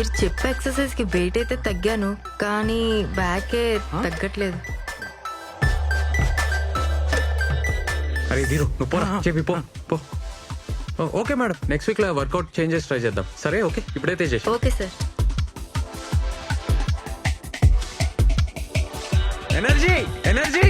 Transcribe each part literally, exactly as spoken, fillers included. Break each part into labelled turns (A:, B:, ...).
A: మీరు చెప్పే ఎక్సర్సైజ్ కి వెయిట్ అయితే తగ్గాను, కానీ బ్యాకే తగ్గట్లేదు.
B: అరే దీరు నువ్వు పోరా చెప్పి పో పో ఓకే మేడం, నెక్స్ట్ వీక్ లో వర్కౌట్ చేంజెస్ ట్రై చేద్దాం. సరే ఓకే, ఇప్పుడైతే చేసి
A: ఓకే సార్.
B: ఎనర్జీ ఎనర్జీ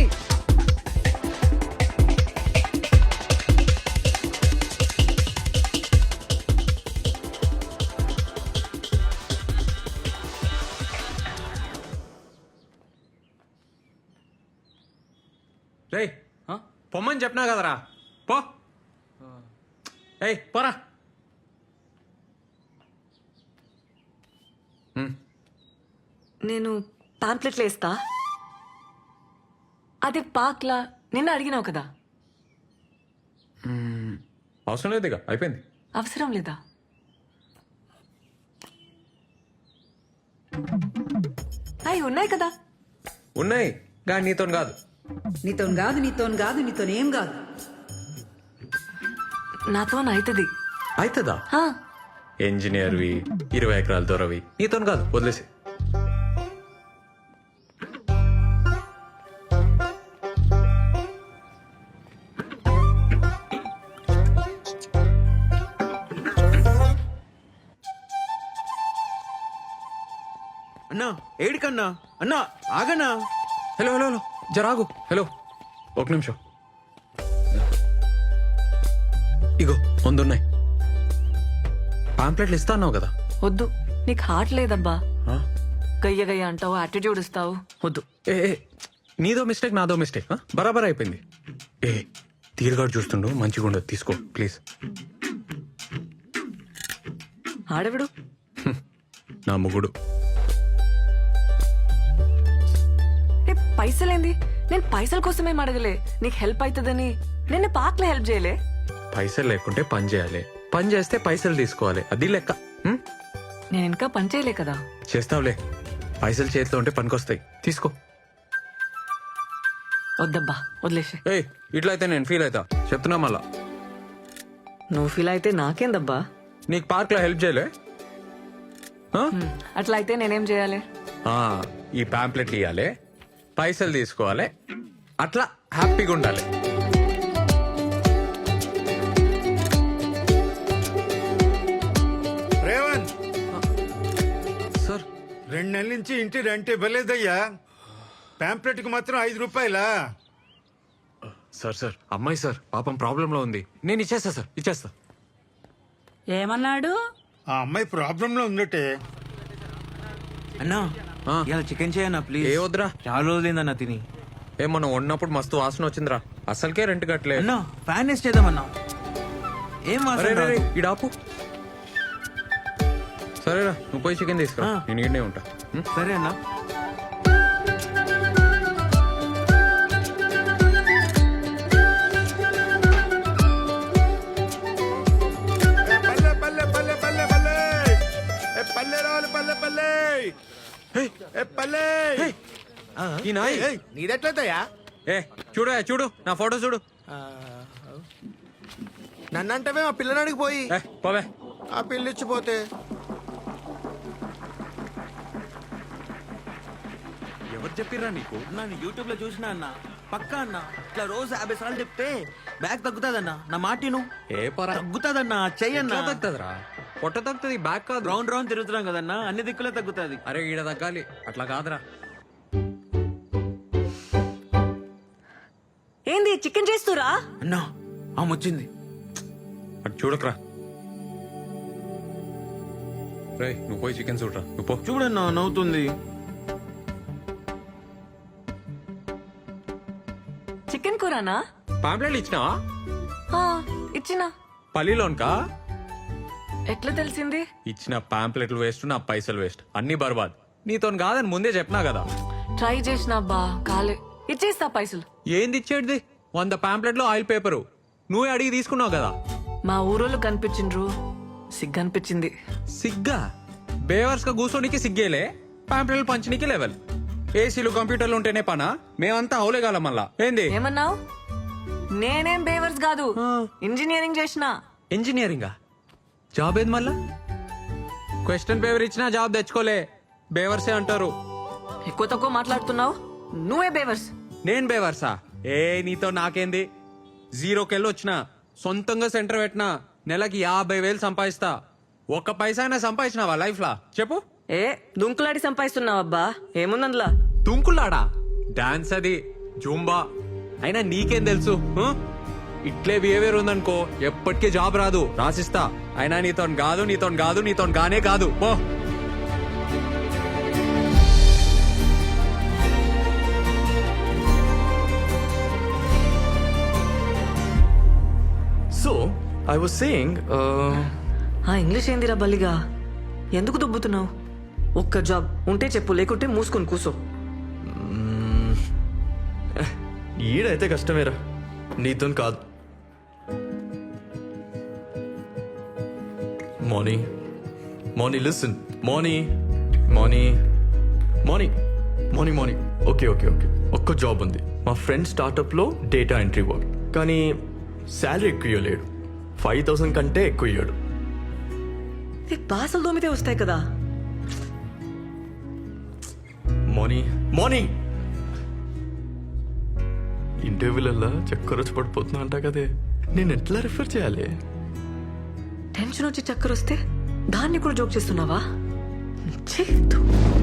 B: రేయ్ పొమ్మని చెప్పినా కదరా, పో. ఏయ్ పోరా.
C: నేను పాంప్లెట్లు వేస్తా. అదే పాక్లా నిన్న అడిగినావు కదా.
B: అవసరం లేదు, ఇక అయిపోయింది.
C: అవసరం లేదా? అవి ఉన్నాయి కదా.
B: ఉన్నాయి కానీ నీతో కాదు.
D: నీతో కాదు నీతో కాదు నీతో ఏం కాదు.
C: నాతో అవుతుంది.
B: అవుతుందా? ఇంజనీర్వి, ఇరవై ఎకరాల దొరవి, నీతో కాదు, వదిలేసి.
E: అన్నా ఏడికన్నా అన్నా ఆగన్నా.
B: హలో హలో హలో జరాగు. హలో ఒక నిమిషం. ఇగో ముందున్నాయి పాంప్లెట్లు. ఇస్తా అన్నావు కదా.
C: వద్దు, నీకు హార్ట్ లేదబ్బా.
B: ఆ?
C: గయ్య గయ్య అంటావు, యాటిట్యూడ్ ఇస్తావు. వద్దు.
B: ఏ ఏ, నీదో మిస్టేక్ నాదో మిస్టేక్. బరాబర్ అయిపోయింది. ఏ తీరుగాడు చూస్తుండు, మంచిగా ఉండదు, తీసుకో ప్లీజ్.
C: ఆడవిడు
B: నా ముగుడు.
C: ఏ పైసలేంది? నేను పైసల కోసమేం అడగలే, నీకు హెల్ప్ అవుతుందని. నిన్న పాక్లో హెల్ప్ చేయలే.
B: పైసలు లేకుంటే పని చేయాలి, పని చేస్తే పైసలు తీసుకోవాలి, అది లెక్క. హ్మ్?
C: నేను ఇంకా పని చేయలే కదా.
B: చేస్తావులే, పైసలు చేతిలో ఉంటే పనికొస్తాయి, తీసుకో.
C: వద్దబ్బా, వదిలేసి.
B: ఏయ్ ఇట్లా అయితే నేను ఫీల్ అవుతా, చెప్తున్నా మళ్ళా.
C: నువ్వు ఫీల్ అయితే నాకేందబ్బా.
B: నీకు పార్క్ లో హెల్ప్ చేయలే? ఆ?
C: అట్లా అయితే నేనేం చేయాలి?
B: ఆ, ఈ పాంప్లెట్లు ఇవ్వాలి, పైసలు తీసుకోవాలి, అట్లా హ్యాపీగా ఉండాలి.
F: రేవంత్,
B: సార్
F: రెండు నెలల నుంచి ఇంటి రెంట్ ఇవ్వలేదయ్యా. పాంప్లెట్ కి మాత్రం ఐదు రూపాయలా?
B: సార్ సార్ అమ్మాయి సార్ పాపం ప్రాబ్లంలో ఉంది, నేను ఇచ్చేస్తా సార్, ఇచ్చేస్తా.
D: ఏమన్నాడు?
F: ఆ అమ్మాయి ప్రాబ్లం లో ఉందటే.
E: అన్నా
B: ఆ.
E: ఇలా చికెన్ చేయన్నా ప్లీజ్.
B: ఏ వద్దురా,
E: చాలా రోజులైందన్నా తిని.
B: ఏ మనం వండినప్పుడు మస్తు వాసన వచ్చిందిరా, అసలుకే రెంట్ కట్టలే.
E: అన్నా ఫ్యాన్ వేస్ట్ చేద్దామన్నా. ఏం
B: అరే
E: వాసన
B: రే, రే,
E: రాదు.
B: ఈడ ఆపు. సరేరా నువ్వు పోయి చికెన్ తీసుకురా,
E: ఆ.
B: నేను ఈడనే ఉంటా. ఉం?
E: సరే అన్నా.
F: ఏ పల్లె పల్లె పల్లె పల్లె పల్లె ఏ పల్లె రావాలి పల్లె పల్లె ఏ పల్లె.
B: ఈ నాయ్
F: నీదెట్లయితయా?
B: ఏ చూడు ఏ, చూడు నా ఫోటో చూడు.
F: నన్నంటవే మా పిల్లనాడికి పోయి
B: ఏ పోవే.
F: ఆ పిల్లిచ్చిపోతే
B: ఎవరు చెప్పిర్రా నీకు?
E: నన్ను యూట్యూబ్ లో చూసినా అన్న, పక్కా అన్న. ఇట్లా రోజు యాభై సార్లు చెప్తే బ్యాగ్ తగ్గుతాదన్నా. నా మాటిను.
B: ఏ పరా
E: తగ్గుతాదన్నా, చెయ్యన్నా.
B: తగ్గుతుందిరా, పొట్ట తగ్గుతుంది, బ్యాక్ కాదు.
E: రౌండ్ రౌండ్ తిరుగుతున్నాం కదన్నా, అన్ని దిక్కులే తగ్గుతాది.
B: అరే ఈడ తగ్గాలి, అట్లా కాదురా.
C: ఏంది చికెన్ చేస్తురా?
E: అన్నా ఆమె వచ్చింది.
B: అటు చూడకరా. రే నువ్వు పోయి చికెన్ చూడరా, నువ్వు పో.
E: చూడన్నా నవ్వుతుంది.
C: చికెన్ కూరనా?
B: పాంప్లెట్లు ఇచ్చినావా?
C: ఆ, ఇచ్చినా.
B: పల్లిలోన్కా?
C: ఎట్లా తెలిసింది?
B: ఇచ్చిన పాంప్లెట్లు వేస్ట్, నా పైసలు వేస్ట్, అన్ని బర్బాద్. నీతో కాదని ముందే చెప్పినా కదా.
C: ట్రై చేసిన అబ్బా, కాలే. ఇచ్చేస్తా పైసలు.
B: ఏంది ఇచ్చేది? వంద పాంప్లెట్లు ఆయిల్ పేపరు నువ్వే అడిగి తీసుకున్నావు కదా.
C: మా ఊరోళ్ళు కనిపించిండ్రు, సిగ్గు అనిపించింది.
B: సిగ్గా? బేవర్స్ గా కూర్చోనికి సిగ్గేలే, పాంప్లెట్లు పంచనీకి లెవెల్. ఏసీలు కంప్యూటర్లు ఉంటేనే పనా? మేమంతా అవులేగాల మళ్ళా. ఏంది
C: ఏమన్నావు? నేనేం బేవర్స్ కాదు, ఇంజనీరింగ్ చేసిన.
B: ఇంజనీరింగా? జాబ్ ఏది మళ్ళా? క్వశ్చన్ పేపర్ ఇచ్చినా జాబ్ తెచ్చుకోలే, బేవర్సే అంటారు.
C: ఎక్కువ తక్కువ మాట్లాడుతున్నావు, నువ్వే బేవర్స్.
B: నేను బేవర్సా? ఏ నీతో నాకేంది? జీరోకెళ్ళి వచ్చిన సొంతంగా సెంటర్ పెట్టినా నెలకి యాభై వేలు సంపాదిస్తా. ఒక్క పైసా అయినా సంపాదించినావా లైఫ్ లా చెప్పు?
C: ఏ దుంకులాడి సంపాదిస్తున్నావు అబ్బా, ఏముందందులా?
B: తుంకులాడా? డాన్స్ అది, జూంబా. అయినా నీకేం తెలుసు? ఆ? ఇట్లే బిహేవియర్ ఉందనుకో ఎప్పటికీ జాబ్ రాదు, రాసిస్తా. అయినా నీతో కాదు, నీతో కాదు, నీతో గానే కాదు పో.
G: So, I was saying, uh,
C: ఆ ఇంగ్లీష్ ఏందిరా బల్లిగా? ఎందుకు దుబ్బుతున్నావు? ఒక్క జాబ్ ఉంటే చెప్పు, లేకుంటే మూసుకొని కూసో.
G: ఈడైతే కష్టమేరా, నీతో కాదు. Moni Moni listen Moni Moni Moni Moni Moni okay okay okay ఒక్క జాబ్ ఉంది మా ఫ్రెండ్ స్టార్టప్లో డేటా ఎంట్రీ వర్క్, కానీ శాలరీ ఎక్కువ ఇవ్వలేడు. ఫైవ్ థౌసండ్ కంటే ఎక్కువ ఇవ్వడు.
C: బాసలు దోమితే వస్తాయి కదా.
G: మోనీ మోనీ ఇంటర్వ్యూలల్లా చక్కర వచ్చి పడిపోతున్నా అంట కదే, నేను ఎట్లా రిఫర్ చేయాలి?
C: టెన్షన్ వచ్చి చక్కర వస్తే దాన్ని కూడా జోక్ చేస్తున్నావా? ఛీ, ధూ.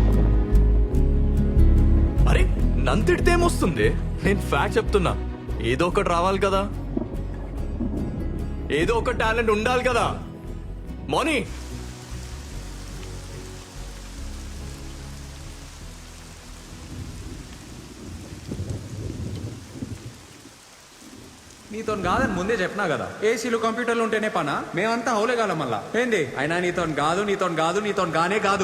G: అరే నన్ను తిడితే ఏమొస్తుంది? నేను ఫ్యాక్ట్ చెప్తున్నా. ఏదో ఒకటి రావాలి కదా, ఏదో ఒక టాలెంట్ ఉండాలి కదా. మోనీ
B: నీతో కాదని ముందే చెప్పినా కదా, ఏసీలు కంప్యూటర్లు ఉంటేనే పనా? మేమంతా హౌలేగాలం మళ్ళా ఏంది? అయినా నీతో కాదు, నీతో కాదు, నీతో గానే కాదు.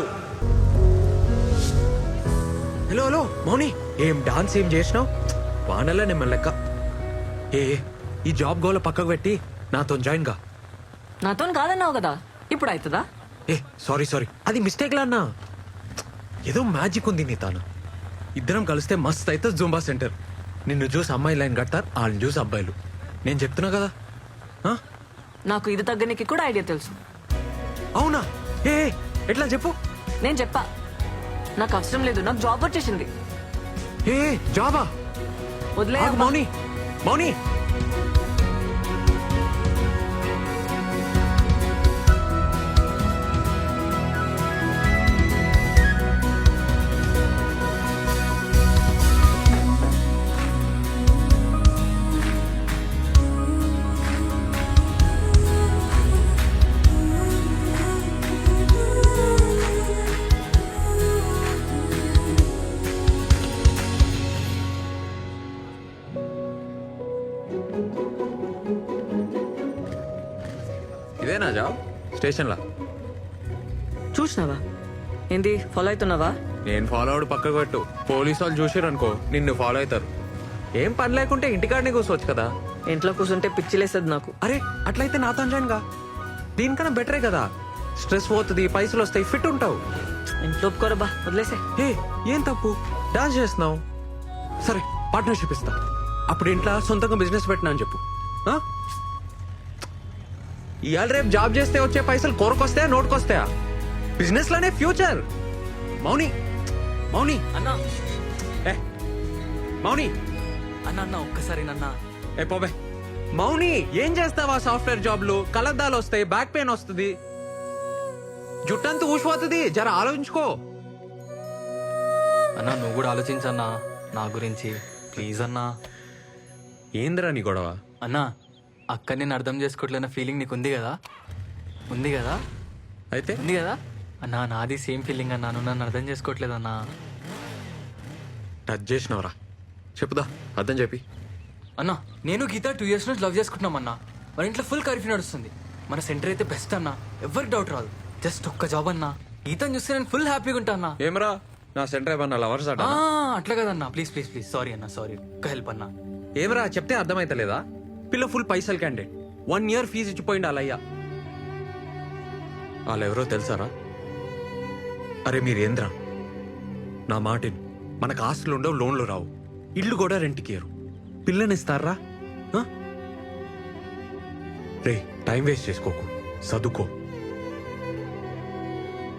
B: హలో హలో మౌని, ఏం డాన్స్ ఏం చేసినావు? వానల్లా నిమ్మ లెక్క. ఏ ఈ జాబ్ గోల పక్కకు పెట్టి నాతో జాయిన్ గా.
C: నాతో కాదన్నావు కదా, ఇప్పుడు అవుతుందా?
B: ఏ సారీ సారీ, అది మిస్టేక్ లా అన్నా. ఏదో మ్యాజిక్ ఉంది నీ తాను. ఇద్దరం కలిస్తే మస్త్ అయితే జూంబా సెంటర్. నిన్ను చూసి అమ్మాయి లైన్ కడతారు, వాళ్ళని చూసి అబ్బాయిలు. నేను చెప్తున్నా కదా. ఆ?
C: నాకు ఇది తగ్గనికి కూడా ఐడియా తెలుసు.
B: అవునా? ఏ ఏ, ఎట్లా చెప్పు?
C: నేను చెప్పా, నాకు అవసరం లేదు, నాకు జాబ్ వచ్చేసింది.
B: ఏ ఏ, జాబా?
C: వదిలే
B: ఆగు, మౌని మౌని ఇదేనా జాబ్? స్టేషన్లా
C: చూసినావా? ఏంది ఫాలో అవుతున్నావా?
B: నేను ఫాలో అవడు పక్కకు పెట్టు. పోలీసు వాళ్ళు చూసారు అనుకో నిన్ను ఫాలో అవుతారు. ఏం పని లేకుంటే ఇంటికాడనే కూర్చోవచ్చు కదా.
C: ఇంట్లో కూర్చుంటే పిచ్చిలేస్తుంది నాకు.
B: అరే అట్లయితే నాతో జాయిన్ గా. దీనికన్నా బెటరే కదా, స్ట్రెస్ పోతుంది, పైసలు వస్తాయి, ఫిట్ ఉంటావు.
C: ఇంట్లో ఒప్పుకోరబ్బా, వదిలేసే.
B: ఏ ఏం తప్పు, డాన్స్ చేస్తున్నావు. సరే పార్ట్నర్షిప్ ఇస్తా. అప్పుడు ఇంట్లో సొంతంగా బిజినెస్ పెట్టినా అని చెప్పు. ఆ? ఇవాళ రేపు జాబ్ చేస్తే వచ్చే పైసలు కొరకొస్తాయా, నోటుకొస్తాయా? బిజినెస్ లోనే ఫ్యూచర్. మౌని మౌని
C: అన్నా
B: ఏ మౌని
C: అన్న అన్న ఒక్కసారి నన్న.
B: ఏ పోబే. మౌని ఏం చేస్తావా? సాఫ్ట్వేర్ జాబ్లు కలద్దాలు వస్తాయి, బ్యాక్ పెయిన్ వస్తుంది, జుట్టంతా ఊసిపోతుంది. జర ఆలోచించుకో.
H: అన్నా నువ్వు కూడా ఆలోచించన్నా నా గురించి, ప్లీజ్ అన్నా.
B: ఏంద్రా నీ గొడవ?
H: అన్నా అక్క నేను అర్థం చేసుకోవట్లేన ఫీలింగ్ నీకు ఉంది కదా, ఉంది కదా,
B: అయితే
H: ఉంది కదా అన్నా. నాది సేమ్ ఫీలింగ్ అన్నా, నువ్వు నన్ను అర్థం చేసుకోవట్లేదన్నా.
B: టచ్ చేసినవరా? చెప్పుదా, అర్థం చెప్పి.
H: అన్నా నేను గీత టూ ఇయర్స్ నుంచి లవ్ చేసుకుంటున్నాం అన్నా. మన ఇంట్లో ఫుల్ కర్ఫ్యూ నడుస్తుంది. మన సెంటర్ అయితే బెస్ట్ అన్నా, ఎవరికి డౌట్ రాదు. జస్ట్ ఒక్క జాబ్ అన్నా, గీతను చూస్తే నేను ఫుల్ హ్యాపీగా ఉంటా అన్నా.
B: ఏమరా నా సెంటర్ ఏమన్నా లవర్స్ అట?
H: ఆ, అట్లా కదన్నా, ప్లీజ్ ప్లీజ్ ప్లీజ్ సారీ అన్నా, సారీ. ఒక్క హెల్ప్ అన్నా.
B: ఏమరా చెప్తే అర్థమైతలేదా? పిల్ల ఫుల్ పైసలు క్యాండిడేట్, వన్ ఇయర్ ఫీజు ఇచ్చిపోయింది వాళ్ళయ్యా. వాళ్ళెవరో తెలుసారా? అరే మీరేంద్రా, నా మాటిన్. మనకు ఆస్తులు ఉండవు, లోన్లు రావు, ఇల్లు కూడా రెంట్కి ఇయ్యరు. పిల్లనిస్తారా? రే టైం వేస్ట్ చేసుకోకు, చదువుకో.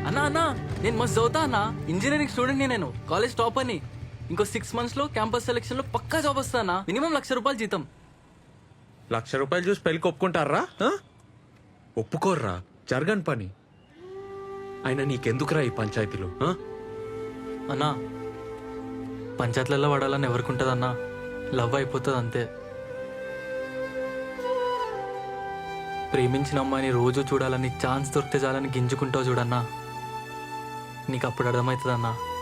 H: అన్నా అన్నా నేను మస్తు చదువుతా అన్నా ఇంజనీరింగ్ స్టూడెంట్ నేను కాలేజ్ టాప్ అని ఇంకో సిక్స్ మంత్స్ లో క్యాంపస్ సెలెక్షన్ లో పక్కా జాబ్ వస్తానా మినిమం లక్ష రూపాయలు జీతం.
B: లక్ష రూపాయలు చూసి పెళ్ళికి ఒప్పుకుంటారా ఆ? ఒప్పుకోర్రా, జరగని పని. అయినా నీకెందుకురా ఈ పంచాయతీలో ఆ?
H: అన్నా పంచాయతీలలో పడాలని ఎవరికి ఉంటుందన్నా, లవ్ అయిపోతుంది అంతే. ప్రేమించిన అమ్మాయిని రోజు చూడాలని ఛాన్స్ దొరికితే చాలని గింజుకుంటావు చూడన్నా, నీకు అప్పుడు అర్థమవుతుందన్నా.